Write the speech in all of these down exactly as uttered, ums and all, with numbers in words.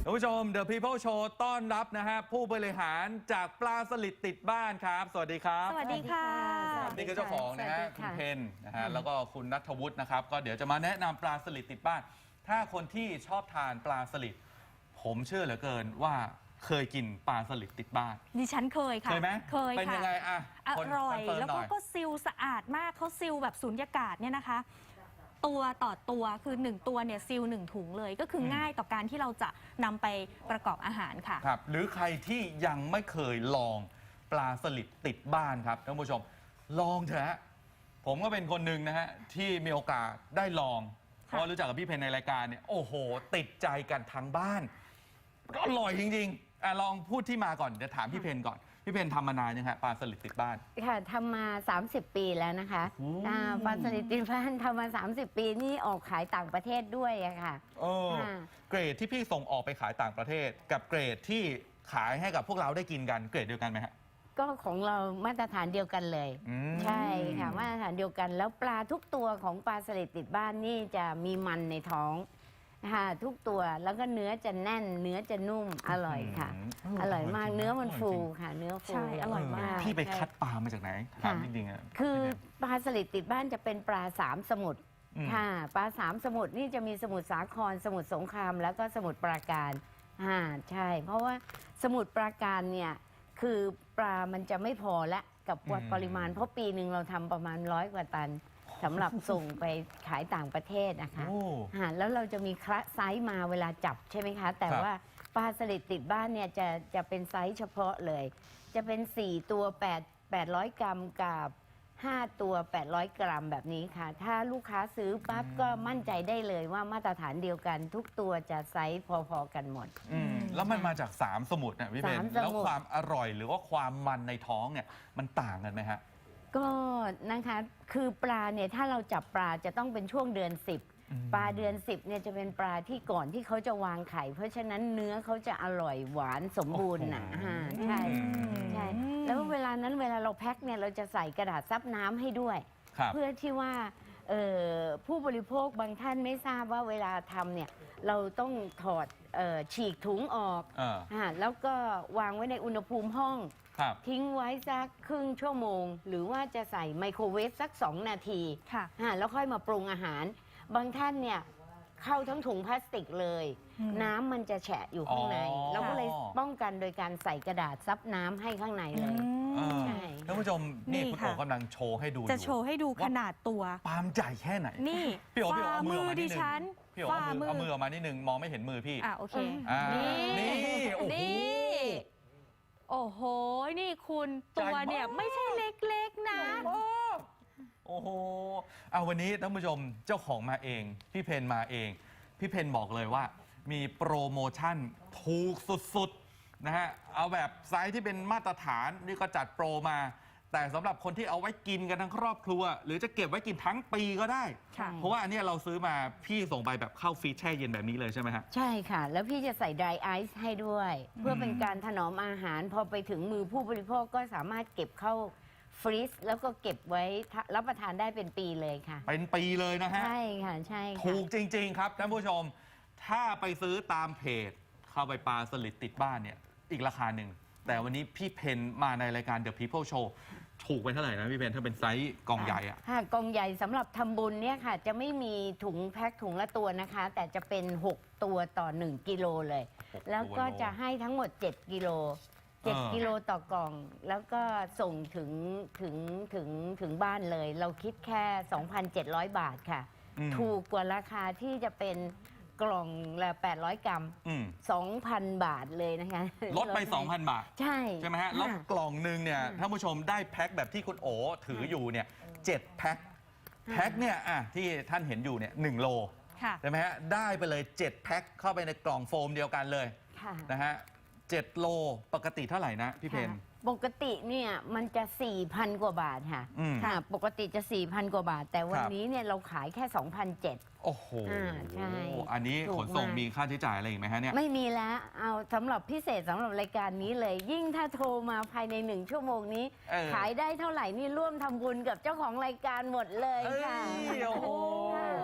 ท่านผู้ชม The People Show ต้อนรับนะฮะผู้บริหารจากปลาสลิดติดบ้านครับสวัสดีครับสวัสดีค่ะนี่คือเจ้าของนะฮะคุณเพนนะฮะแล้วก็คุณณัฐวุฒินะครับก็เดี๋ยวจะมาแนะนำปลาสลิดติดบ้านถ้าคนที่ชอบทานปลาสลิดผมเชื่อเหลือเกินว่าเคยกินปลาสลิดติดบ้านดิฉันเคยค่ะเคยไหมเคยค่ะเป็นยังไงอ่ะอร่อยแล้วก็ก็ซิลสะอาดมากเขาซิลแบบสุญญากาศเนี่ยนะคะตัวต่อตัวคือหนึ่งตัวเนี่ยซิลหนึ่งถุงเลยก็คือง่ายต่อการที่เราจะนำไปประกอบอาหารค่ะครับหรือใครที่ยังไม่เคยลองปลาสลิดติดบ้านครับท่านผู้ชมลองเถอะฮะผมก็เป็นคนหนึ่งนะฮะที่มีโอกาสได้ลองเพราะรู้จักกับพี่เพนในรายการเนี่ยโอ้โหติดใจกันทั้งบ้านก็อร่อยจริงๆอ่ะลองพูดที่มาก่อนเดี๋ยวถามพี่เพนก่อนพี่เพนทำมานานยังฮะปลาสลิดติดบ้านค่ะทำมาสามสิบปีแล้วนะคะปลาสลิดติดบ้านทำมาสามสิบปีนี่ออกขายต่างประเทศด้วยอะค่ะโอ้เกรดที่พี่ส่งออกไปขายต่างประเทศกับเกรดที่ขายให้กับพวกเราได้กินกันเกรดเดียวกันไหมฮะก็ของเรามาตรฐานเดียวกันเลยใช่ค่ะมาตรฐานเดียวกันแล้วปลาทุกตัวของปลาสลิดติดบ้านนี่จะมีมันในท้องค่ะทุกตัวแล้วก็เนื้อจะแน่นเนื้อจะนุ่มอร่อยค่ะอร่อยมากเนื้อมันฟูค่ะเนื้อฟูใช่อร่อยมากพี่ไปคัดปลามาจากไหนถามจริงๆอ่ะคือปลาสลิดติดบ้านจะเป็นปลาสามสมุทรค่ะปลาสามสมุทรนี่จะมีสมุทรสาครสมุทรสงครามแล้วก็สมุทรปราการอ่าใช่เพราะว่าสมุทรปราการเนี่ยคือปลามันจะไม่พอละกับวัดปริมาณเพราะปีหนึ่งเราทำประมาณร้อยกว่าตันสำหรับส่งไปขายต่างประเทศนะคะแล้วเราจะมีคละไซส์มาเวลาจับใช่ไหมคะแต่ว่าปลาสลิดติดบ้านเนี่ยจะจะเป็นไซส์เฉพาะเลยจะเป็นสี่ตัวแปด แปดร้อยกรัมกับห้าตัวแปดร้อยกรัมแบบนี้ค่ะถ้าลูกค้าซื้อปั๊บก็มั่นใจได้เลยว่ามาตรฐานเดียวกันทุกตัวจะไซส์พอๆกันหมดแล้วมันมาจากสามสมุทรนะพี่เบนแล้วความอร่อยหรือว่าความมันในท้องเนี่ยมันต่างกันไหมฮะก็นะคะคือปลาเนี่ยถ้าเราจับปลาจะต้องเป็นช่วงเดือนสิบปลาเดือนสิบเนี่ยจะเป็นปลาที่ก่อนที่เขาจะวางไข่เพราะฉะนั้นเนื้อเขาจะอร่อยหวานสมบูรณ์นะใช่ใช่แล้วเวลานั้นเวลาเราแพ็คเนี่ยเราจะใส่กระดาษซับน้ำให้ด้วยเพื่อที่ว่าผู้บริโภคบางท่านไม่ทราบว่าเวลาทำเนี่ยเราต้องถอดฉีกถุงออกแล้วก็วางไว้ในอุณหภูมิห้องทิ้งไว้สักครึ่งชั่วโมงหรือว่าจะใส่ไมโครเวฟสักสองนาทีแล้วค่อยมาปรุงอาหารบางท่านเนี่ยเข้าทั้งถุงพลาสติกเลยน้ำมันจะแฉะอยู่ข้างในเราก็เลยป้องกันโดยการใส่กระดาษซับน้ำให้ข้างในเลยใช่ท่านผู้ชมนี่คุณโอ๋กำลังโชว์ให้ดูจะโชว์ให้ดูขนาดตัวปามใหญ่แค่ไหนนี่พี่โอ๋พี่โอ๋เอามือมาดิฉันพี่โอ๋เอามือเอามือออกมานิดนึงมองไม่เห็นมือพี่อ่ะโอเคนี่นี่โอ้โหโอ้โหนี่คุณตัวเนี่ยไม่ใช่เล็กๆนะโอ้โหเอาวันนี้ท่านผู้ชมเจ้าของมาเองพี่เพนมาเองพี่เพนบอกเลยว่ามีโปรโมชั่นถูกสุดๆนะฮะเอาแบบไซส์ที่เป็นมาตรฐานนี่ก็จัดโปรมาแต่สำหรับคนที่เอาไว้กินกันทั้งครอบครัวหรือจะเก็บไว้กินทั้งปีก็ได้เพราะว่าอันนี้เราซื้อมาพี่ส่งไปแบบเข้าฟรีซแช่เย็นแบบนี้เลยใช่ไหมฮะใช่ค่ะแล้วพี่จะใส่ dry ice ให้ด้วยเพื่อเป็นการถนอมอาหารพอไปถึงมือผู้บริโภคก็สามารถเก็บเข้าฟรีซแล้วก็เก็บไว้รับประทานได้เป็นปีเลยค่ะเป็นปีเลยนะฮะใช่ค่ะใช่ถูกจริงๆครับท่านผู้ชมถ้าไปซื้อตามเพจเข้าไปปลาสลิดติดบ้านเนี่ยอีกราคาหนึ่งแต่วันนี้พี่เพนมาในรายการ The People Show ถูกไปเท่าไหร่นะพี่เพนถ้าเป็นไซส์กล่องใหญ่อะค่ะกล่องใหญ่สำหรับทำบุญเนี่ยค่ะจะไม่มีถุงแพ็คถุงละตัวนะคะแต่จะเป็นหกตัวต่อหนึ่งกิโลเลยแล้วก็จะให้ทั้งหมดเจ็ดกิโลเจ็ดกิโลต่อกล่องแล้วก็ส่งถึงถึงถึงถึงบ้านเลยเราคิดแค่ สองพันเจ็ดร้อย บาทค่ะถูกกว่าราคาที่จะเป็นกล่องละแปดร้อยกรัม สองพัน บาทเลยนะคะลดไป สองพัน บาทใช่ใช่ไหมฮะแล้วกล่องหนึ่งเนี่ยท่านผู้ชมได้แพ็คแบบที่คุณโอ๋ถืออยู่เนี่ยเจ็ดแพ็คแพ็คเนี่ยอ่ะที่ท่านเห็นอยู่เนี่ยหนึ่งโลใช่ไหมฮะได้ไปเลยเจ็ดแพ็คเข้าไปในกล่องโฟมเดียวกันเลยนะฮะเจ็ดโลปกติเท่าไหร่นะพี่เพนปกติเนี่ยมันจะ สี่พัน กว่าบาทค่ะค่ะปกติจะ สี่พัน กว่าบาทแต่วันนี้เนี่ยเราขายแค่ สองพันเจ็ดร้อยโอ้โหใช่อันนี้ขนส่งมีค่าใช้จ่ายอะไรอีกไหมฮะเนี่ยไม่มีแล้วเอาสำหรับพิเศษสำหรับรายการนี้เลยยิ่งถ้าโทรมาภายในหนึ่งชั่วโมงนี้ขายได้เท่าไหร่นี่ร่วมทำบุญกับเจ้าของรายการหมดเลยค่ะโอ้โห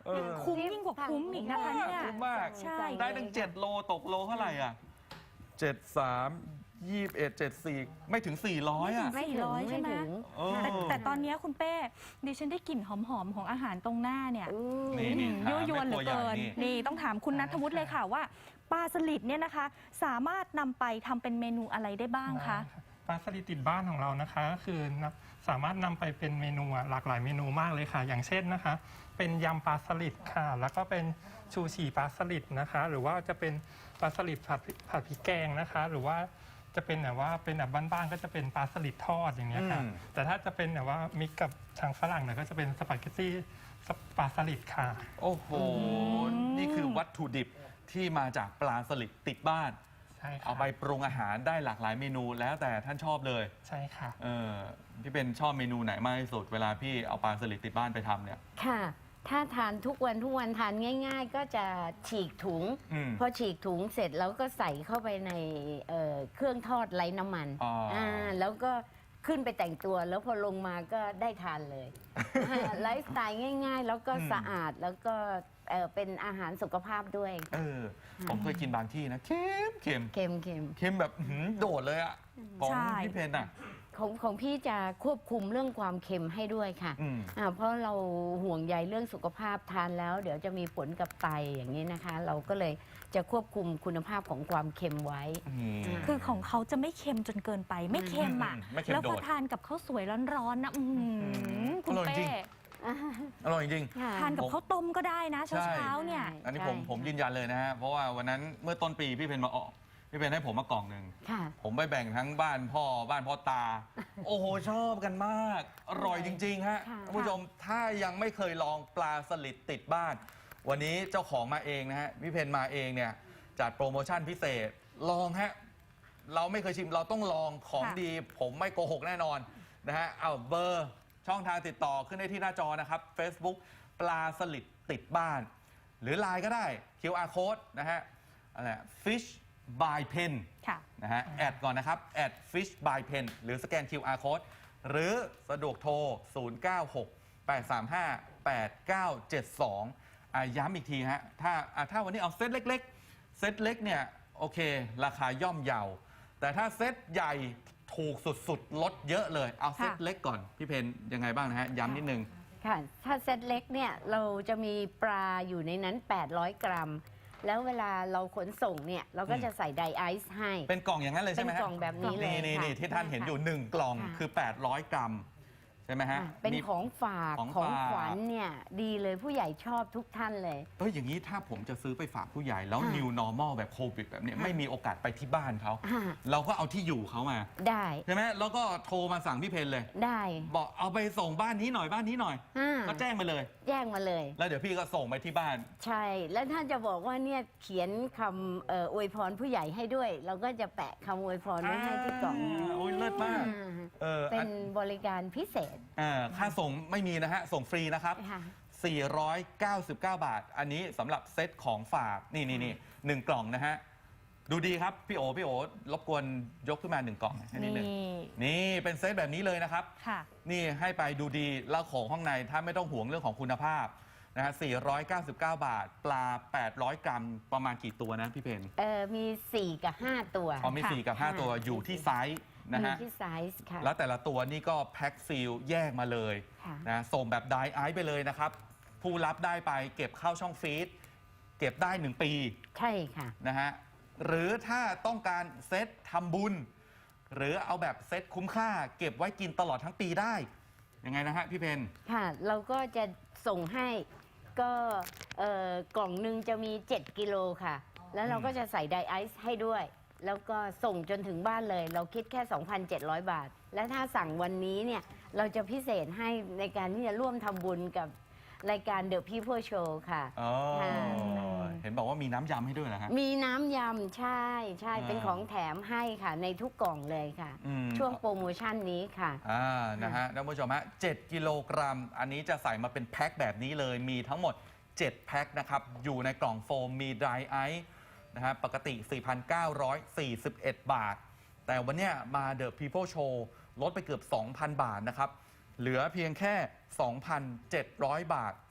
เออคุ้มยิ่งกว่าคุ้มอีกนะคะเนี่ยคุ้มมากใช่ได้ตั้งเจ็ดโลตกโลเท่าไหร่อ่ะเจ็ดสามยี่สิบเอ็ดเจ็ดสี่ไม่ถึงสี่ร้อยอ่ะไม่ถึงใช่ไหมถึงเออแต่แต่ตอนนี้คุณเป้ดิฉันได้กลิ่นหอมๆของอาหารตรงหน้าเนี่ยอู้นี่นี่ยั่วยวนเหลือเกินนี่นี่ต้องถามคุณนัทวุฒิเลยค่ะว่าปลาสลิดเนี่ยนะคะ สามารถนำไปทำเป็นเมนูอะไรได้บ้างคะปลาสลิดติดบ้านของเรานะคะก็คือนะสามารถนำไปเป็นเมนูอะหลากหลายเมนูมากเลยค่ะ อย่างเช่นนะคะ เป็นยำปลาสลิดค่ะ แล้วก็เป็นชูชีปลาสลิดนะคะ หรือว่าจะเป็นปลาสลิดผัดผัดพริกแกงนะคะ หรือว่าจะเป็นแบบว่าเป็นแบบบ้านๆก็จะเป็นปลาสลิดทอดอย่างเงี้ยค่ะอืมแต่ถ้าจะเป็นแบบว่ามิกกับทางฝรั่งเนี่ยก็จะเป็นสปาเกตตี้ปลาสลิดค่ะโอ้โห นี่คือวัตถุดิบที่มาจากปลาสลิดติดบ้านใช่ค่ะเอาไปปรุงอาหารได้หลากหลายเมนูแล้วแต่ท่านชอบเลยใช่ค่ะเออพี่เป็นชอบเมนูไหนมากที่สุดเวลาพี่เอาปลาสลิดติดบ้านไปทำเนี่ยค่ะ ถ้าทานทุกวันทุกวันทานง่าย ๆ ก็จะฉีกถุงอืมพอฉีกถุงเสร็จแล้วก็ใส่เข้าไปในเอ่อเครื่องทอดไร้น้ำมันอ๋ออ่าแล้วก็ขึ้นไปแต่งตัวแล้วพอลงมาก็ได้ทานเลย อ่าไลฟ์สไตล์ง่าย ๆ แล้วก็สะอาดแล้วก็เอ่อเป็นอาหารสุขภาพด้วยเออ ผมเคยกินบางที่นะเค็มเค็มเค็มเค็มเค็มแบบหืมโดดเลยอะของใช่พี่เพนอะของของพี่จะควบคุมเรื่องความเค็มให้ด้วยค่ะอืมอ่าเพราะเราห่วงใยเรื่องสุขภาพทานแล้ว เดี๋ยวจะมีผลกับไตอย่างนี้นะคะ เราก็เลยจะควบคุมคุณภาพของความเค็มไว้นี่คือของเขาจะไม่เค็มจนเกินไป ไม่เค็มอ่ะอืมไม่เค็มแล้วพอโดดทานกับข้าวสวยร้อนๆนะอื้อหือคุณอร่อยจริเป้ง อร่อยจริงค่ะทานกับข้าวต้มก็ได้นะใช่เช้าๆเนี่ยอันนี้ผมใช่ผมยืนยันเลยนะฮะ เพราะว่าวันนั้นเมื่อต้นปีพี่เพนมาออกพี่เพนให้ผมมากล่องหนึ่งค่ะผมไปแบ่งทั้งบ้านพ่อบ้านพ่อตา โอ้โห ชอบกันมาก อร่อยจริง ๆ ฮะค่ะท่านผู้ชมถ้ายังไม่เคยลองปลาสลิดติดบ้าน วันนี้เจ้าของมาเองนะฮะพี่เพนมาเองเนี่ยจัดโปรโมชั่นพิเศษ ลองฮะ เราไม่เคยชิมเราต้องลองของค่ะดี ผมไม่โกหกแน่นอนนะฮะเอาเบอร์ช่องทางติดต่อขึ้นได้ที่หน้าจอนะครับ Facebook ปลาสลิดติดบ้าน หรือ ไลน์ ก็ได้ คิว อาร์ Code นะฮะอะไร Fish by Pen ค่ะนะฮะแอดก่อนนะครับแอด Fish by Pen หรือสแกน คิว อาร์ Code หรือสะดวกโทร ศูนย์ เก้า หก แปด สาม ห้า แปด เก้า เจ็ด สองอ่ะย้ำอีกทีฮะถ้าอ่ะถ้าวันนี้เอาเซตเล็กๆ เซตเล็กเนี่ยโอเค ราคาย่อมเยา แต่ถ้าเซตใหญ่ถูกสุดๆ ลดเยอะเลย เอาเซตค่ะเล็กก่อน พี่เพนยังไงบ้างนะฮะ ย้ำนิดนึงค่ะ ถ้าเซตเล็กเนี่ยเราจะมีปลาอยู่ในนั้น แปดร้อย กรัม แล้วเวลาเราขนส่งเนี่ยเราก็จะใส่ไดไอซ์ให้เป็นกล่องอย่างนั้นเลยใช่ไหมเป็นฮะกล่องแบบนี้เลยนี่ค่ะนี่ที่ท่านเห็นอยู่ค่ะหนึ่งกล่องค่ะคือ แปดร้อย กรัม ใช่ไหมฮะอ่ะเป็นมีของฝากของของฝากขวัญเนี่ยดีเลยผู้ใหญ่ชอบทุกท่านเลยเอ้ยอย่างนี้ถ้าผมจะซื้อไปฝากผู้ใหญ่แล้วค่ะ new normal แบบโควิดแบบเนี้ยค่ะไม่มีโอกาสไปที่บ้านเขาอ่าเราก็เอาที่อยู่เขามาได้ใช่ไหมแล้วก็โทรมาสั่งพี่เพนเลยได้บอกเอาไปส่งบ้านนี้หน่อยบ้านนี้หน่อยอ่าก็แจ้งมาเลยแจ้งมาเลยแล้วเดี๋ยวพี่ก็ส่งไปที่บ้านใช่ แล้วถ้าจะบอกว่าเนี่ยเขียนคำเอ่ออวยพรผู้ใหญ่ให้ด้วย เราก็จะแปะคำอวยพรไว้ให้ที่กล่องาโอ้ยเลิศมากอ่าเออเป็อันนบริการพิเศษอ่าค่าส่งไม่มีนะฮะ ส่งฟรีนะครับค่ะสี่ร้อยเก้าสิบเก้า บาท อันนี้สำหรับเซตของฝาก นี่นี่นี่หนึ่งกล่องนะฮะ ดูดีครับ พี่โอ พี่โอ รบกวนยกขึ้นมาหนึ่งกล่องให้นิดนี่นึงนี่เป็นเซตแบบนี้เลยนะครับค่ะนี่ให้ไปดูดี แล้วของข้างในถ้าไม่ต้องห่วงเรื่องของคุณภาพนะฮะสี่ร้อยเก้าสิบเก้า บาท ปลา แปดร้อย กรัม ประมาณกี่ตัวนะพี่เพนเอ่อมี สี่ กับ ห้า ตัวอ๋อมีค่ะสี่กับห้าค่ะตัวอยู่ที่ไซส์นะอยู่ฮะที่ไซส์ค่ะแล้วแต่ละตัวนี่ก็แพ็คซีลแยกมาเลยค่ะนะส่งแบบไดไอซ์ไปเลยนะครับ ผู้รับได้ไปเก็บเข้าช่องฟรีซเก็บได้หนึ่งปีใช่ค่ะนะฮะหรือถ้าต้องการเซตทำบุญ หรือเอาแบบเซตคุ้มค่า เก็บไว้กินตลอดทั้งปีได้ยังไงนะฮะพี่เพนค่ะ เราก็จะส่งให้ก็เอ่อกล่องหนึ่งจะมี เจ็ด กิโลค่ะ แล้วเราก็จะใส่ไดไอซ์ให้ด้วย แล้วก็ส่งจนถึงบ้านเลย เราคิดแค่ สองพันเจ็ดร้อย บาท และถ้าสั่งวันนี้เนี่ย เราจะพิเศษให้ในการที่จะร่วมทำบุญกับรายการ The People Show ค่ะอ๋อค่ะเห็นบอกว่ามีน้ำยำให้ด้วยนะฮะมีน้ำยำใช่ใช่อ่าเป็นของแถมให้ค่ะ ในทุกกล่องเลยค่ะอืมช่วงโปรโมชั่นนี้ค่ะอ่า นะฮะ ท่านผู้ชมฮะเจ็ดกิโลกรัม อันนี้จะใส่มาเป็นแพ็คแบบนี้เลย มีทั้งหมด เจ็ด แพ็คนะครับ อยู่ในกล่องโฟม มีไดไอซ์นะฮะ ปกติ สี่พันเก้าร้อยสี่สิบเอ็ด บาท แต่วันเนี้ยมา The People Show ลดไปเกือบ สองพัน บาทนะครับ เหลือเพียงแค่ สองพันเจ็ดร้อย บาท ฟ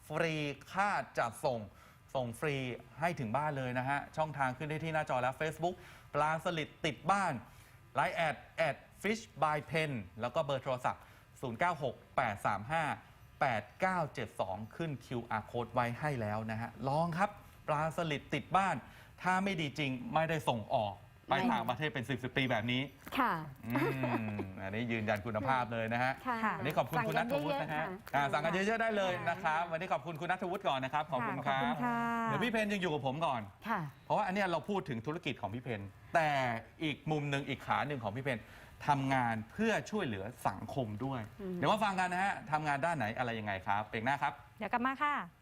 ฟรีค่าจัดส่งส่งฟรีให้ถึงบ้านเลยนะฮะ ช่องทางขึ้นได้ที่หน้าจอแล้ว Facebook ปลาสลิดติดบ้าน ไลน์แอดแอด fish by pen แล้วก็เบอร์โทรศัพท์ ศูนย์ เก้า หก แปด สาม ห้า แปด เก้า เจ็ด สอง ขึ้น คิว อาร์ Code ไว้ให้แล้วนะฮะ ลองครับปลาสลิดติดบ้าน ถ้าไม่ดีจริงไม่ได้ส่งออกไปไม่ต่างประเทศเป็น สิบ สิบ ปีแบบนี้ค่ะอืมอันนี้ยืนยันคุณภาพเลยนะฮะค่ะวันนี้ขอบคุณคุณนัทวุฒินะฮะอ่าสั่งกันเยอะๆได้เลยนะครับวันนี้ขอบคุณคุณนัทวุฒิก่อนนะครับขอบคุณคขอบรัคุบณค่ะเดี๋ยวพี่เพนยังอยู่กับผมก่อนค่ะเพราะว่าอันเนี้ยเราพูดถึงธุรกิจของพี่เพนแต่อีกมุมหนึ่งอีกขาหนึ่งของพี่เพนทำงานเพื่อช่วยเหลือสังคมด้วยอืมเดี๋ยวมาฟังกันนะฮะทำงานด้านไหนอะไรยังไงครับเปกหน้าครับเดี๋ยวกลับมาค่ะ